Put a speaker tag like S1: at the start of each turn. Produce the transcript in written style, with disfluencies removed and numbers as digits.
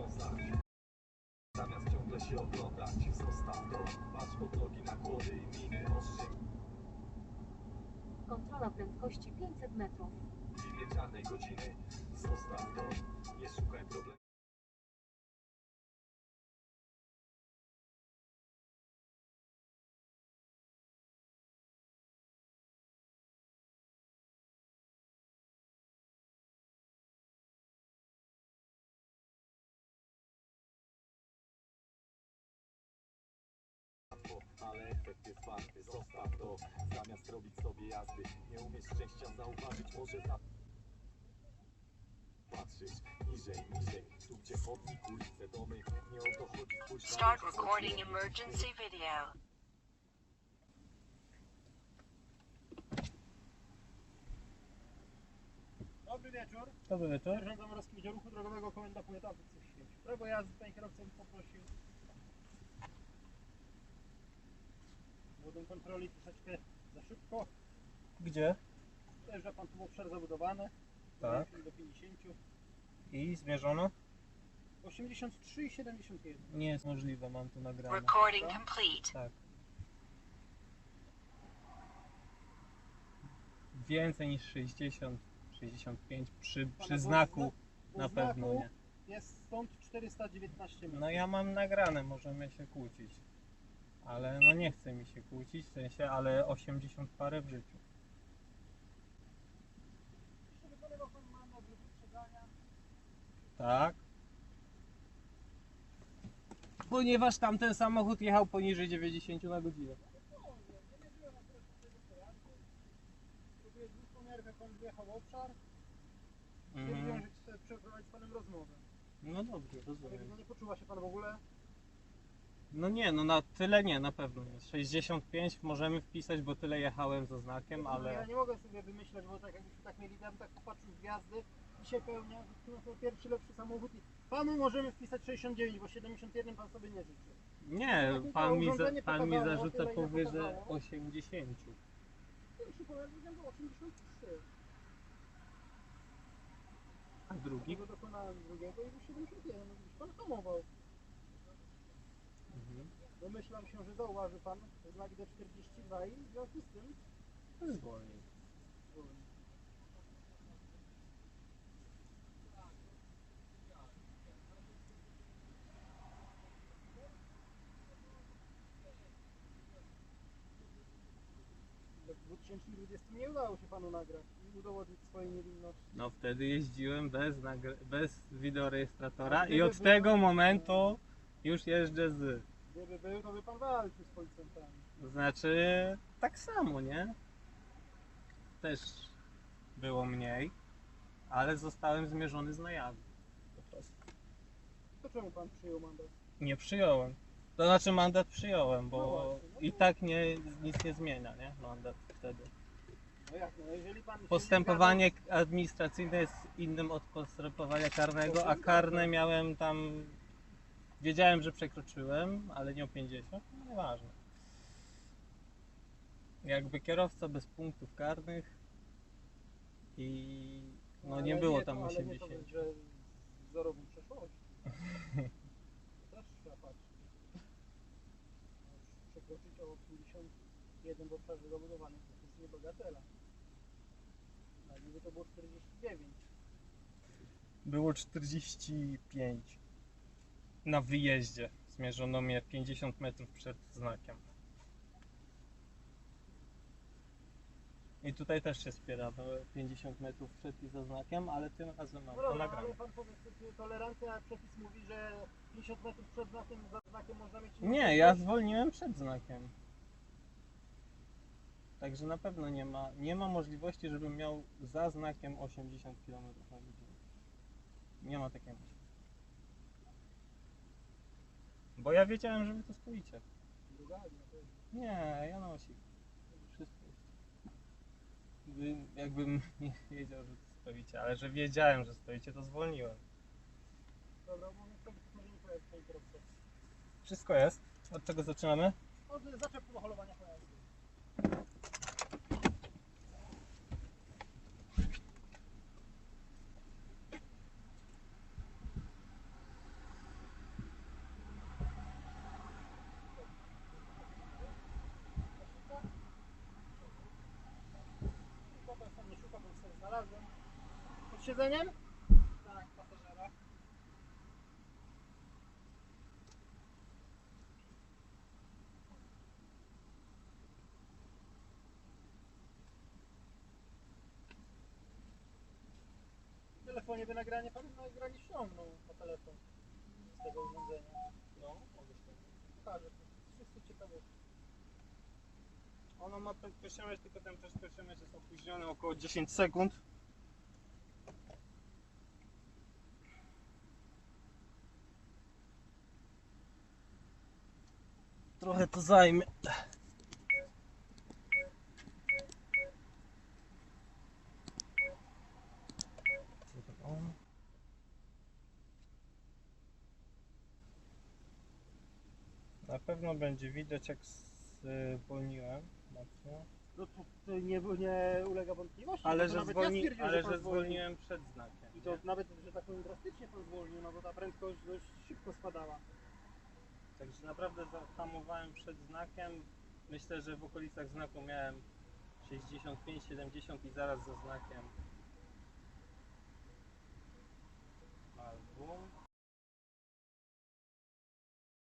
S1: wiązać. Zamiast ciągle się oglądać, zostaw to. Patrz pod nogi na kłody i miny ostrzyk.
S2: Kontrola prędkości 500 metrów.
S1: W imię czarnej godziny, zostaw to. Nie szukaj problemu. Ale efekt jest warty, zostaw to. Zamiast robić sobie jazdy, nie umiesz szczęścia zauważyć, może patrzysz niżej, tu gdzie chodnik, ulice, domy, nie o to chodzi, spójrz na
S3: Start
S1: ludzi,
S3: recording emergency video.
S4: Dobry wieczór.
S5: Dobry wieczór.
S4: Sierżant Zamorowski Wydziału Ruchu Drogowego, komenda powiatowy Coś. Prawo jazdy, panie kierowca bym poprosił. Młodą kontroli troszeczkę za szybko.
S5: Gdzie?
S4: Dojeżdża pan tu w obszar zabudowany.
S5: Tak.
S4: Do 50.
S5: I zmierzono?
S4: 83 i 71.
S5: Nie jest możliwe, mam tu nagrane.
S3: Recording complete.
S5: Tak. Więcej niż 60, 65 przy znaku na pewno nie.
S4: Jest stąd 419 metrów.
S5: No ja mam nagrane, możemy się kłócić. Ale no nie chce mi się kłócić, w sensie, ale 80 parę w życiu.
S4: Jeszcze wykonywał pan mandat wyprzedzania.
S5: Tak. Ponieważ tamten samochód jechał poniżej 90 na godzinę.
S4: Próbuję dwupomiarkę, pan wjechał w obszar.
S5: Mhm.
S4: Stwierdziłem, że chcę przeprowadzić z panem rozmowę.
S5: No dobrze,
S4: Ale
S5: rozumiem.
S4: no nie poczuwa się pan w ogóle?
S5: No nie, no na tyle nie, na pewno nie. 65 możemy wpisać, bo tyle jechałem za znakiem,
S4: Ja
S5: ale...
S4: nie mogę sobie wymyśleć, bo tak jakbyśmy tak mieli, ja bym tak popatrzył w gwiazdy i się pełnia, no to pierwszy lepszy samochód i panu możemy wpisać 69, bo 71 pan sobie nie życzy.
S5: Nie,
S4: Tak mi to
S5: pan mi
S4: urządzenie
S5: zarzuca
S4: pokazało, tyle, ile
S5: powyżej
S4: pokazało.
S5: 80.
S4: Pierwszy pojazd wyglądał 83.
S5: A drugi?
S4: Tego dokonałem drugiego i był 71, no gdzieś pan hamował.
S5: Mhm.
S4: Domyślam się, że zauważy pan znak D42 i w związku z tym
S5: Zwolnił.
S4: w 2020 nie udało się panu nagrać i udowodnić swojej niewinności.
S5: No wtedy jeździłem bez wideorejestratora
S4: A
S5: i
S4: gdyby
S5: od
S4: był-
S5: tego momentu już jeżdżę z...
S4: Gdyby był, to by pan walczył z policjantami.
S5: Znaczy, tak samo, nie? Też było mniej, ale zostałem zmierzony z najazdu. Po prostu.
S4: To czemu pan przyjął mandat?
S5: Nie przyjąłem. To znaczy mandat przyjąłem,
S4: No
S5: bo
S4: właśnie, no
S5: i
S4: to-
S5: tak nic nie zmienia, nie? Mandat wtedy.
S4: No jak, no jeżeli pan się
S5: Postępowanie administracyjne jest innym od postępowania karnego, a karne miałem tam... Wiedziałem, że przekroczyłem, ale nie o 50, no nieważne. Jakby kierowca bez punktów karnych i no
S4: Ale
S5: nie było
S4: to-
S5: tam
S4: ale
S5: 80.
S4: Nie to, że z wzorową przeszłością. To też trzeba patrzeć. Przekroczyć o 51 w obszarze zabudowanym to jest niebagatela. A gdyby to było 49.
S5: Było 45 na wyjeździe. Zmierzono mnie 50 metrów przed znakiem. I tutaj też się spieramy 50 metrów przed i za znakiem, ale tym razem mam
S4: No
S5: to
S4: dobra,
S5: nagrane.
S4: ale pan powie, że tolerancja, przepis mówi, że 50 metrów przed znakiem, za znakiem można mieć...
S5: Nie, ja zwolniłem przed znakiem. Także na pewno nie ma możliwości, żebym miał za znakiem 80 km na godzinę. Nie ma takiej możliwości. Bo ja wiedziałem, że wy tu stoicie. Nie, ja na osi. Wszystko jest. Jakbym nie wiedział, że tu stoicie, ale że wiedziałem, że stoicie, to zwolniłem.
S4: Dobra, bo niestety może nie pojazd, panie kierowco.
S5: Wszystko jest. Od czego zaczynamy?
S4: Od zaczepu do holowania pojazdu. siedzeniem? Tak, pasażera. W telefonie by nagranie ściągnął po telefon z tego urządzenia.
S5: No, mogę się.
S4: Pokażę, wszyscy ciekawe.
S5: Ono ma prędkościomierz, tylko ten prędkościomierz jest opóźniony około 10 sekund. Trochę to zajmie. Na pewno będzie widać, jak zwolniłem mocno.
S4: No to nie ulega wątpliwości.
S5: Ale
S4: bo
S5: że,
S4: nawet ja stwierdziłem,
S5: ale
S4: pan
S5: że
S4: zwolnił.
S5: zwolniłem przed znakiem.
S4: I to
S5: nie?
S4: nawet, że tak powiem, drastycznie pan zwolnił, no bo ta prędkość dość szybko spadała.
S5: Także naprawdę zahamowałem przed znakiem. Myślę, że w okolicach znaku miałem 65-70 i zaraz za znakiem. Album.